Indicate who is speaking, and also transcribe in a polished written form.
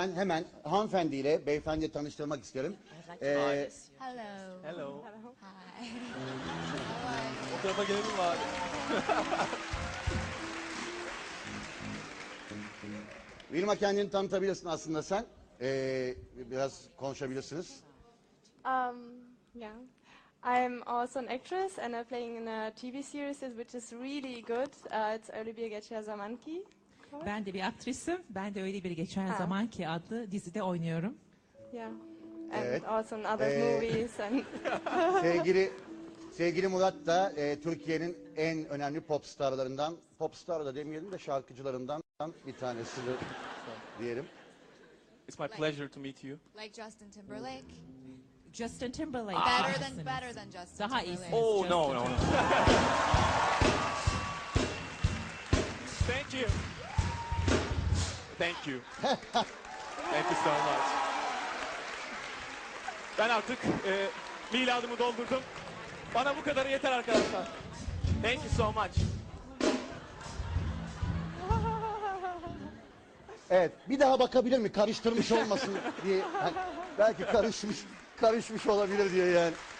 Speaker 1: ben hemen hanımefendiyle beyefendiyle tanıştırmak isterim.
Speaker 2: Hello.
Speaker 3: Hello.
Speaker 2: Hi.
Speaker 3: O tarafa gelelim mi abi?
Speaker 1: Vilma, kendini tanıtabilirsin aslında sen. Biraz konuşabilirsiniz.
Speaker 4: Yeah. I'm also an actress and I'm playing in a TV series which is really good. It's Öyle Bir Geçer Zaman Ki.
Speaker 5: Ben de bir aktrisim. Ben de Öyle Bir Geçer
Speaker 4: Ha.
Speaker 5: Zaman Ki adlı dizide oynuyorum.
Speaker 4: Yeah. And
Speaker 1: Evet.
Speaker 4: also in other movies and
Speaker 1: Sevgili Murat da Türkiye'nin en önemli popstarlarından, popstar da demeyelim de şarkıcılarından bir tanesi diyelim.
Speaker 3: It's my pleasure to meet you.
Speaker 2: Like Justin Timberlake.
Speaker 5: Justin Timberlake.
Speaker 2: Better than Justin
Speaker 5: Daha
Speaker 2: Timberlake.
Speaker 5: iyisiniz.
Speaker 3: Oh,
Speaker 5: Justin
Speaker 3: no.
Speaker 5: Timberlake.
Speaker 3: Thank you. Thank you. Thank you so much. Ben artık miladımı doldurdum. Bana bu kadarı yeter arkadaşlar. Thank you so much.
Speaker 1: Evet, bir daha bakabilir mi? Karıştırmış olmasın diye. Hani belki karışmış olabilir diye yani.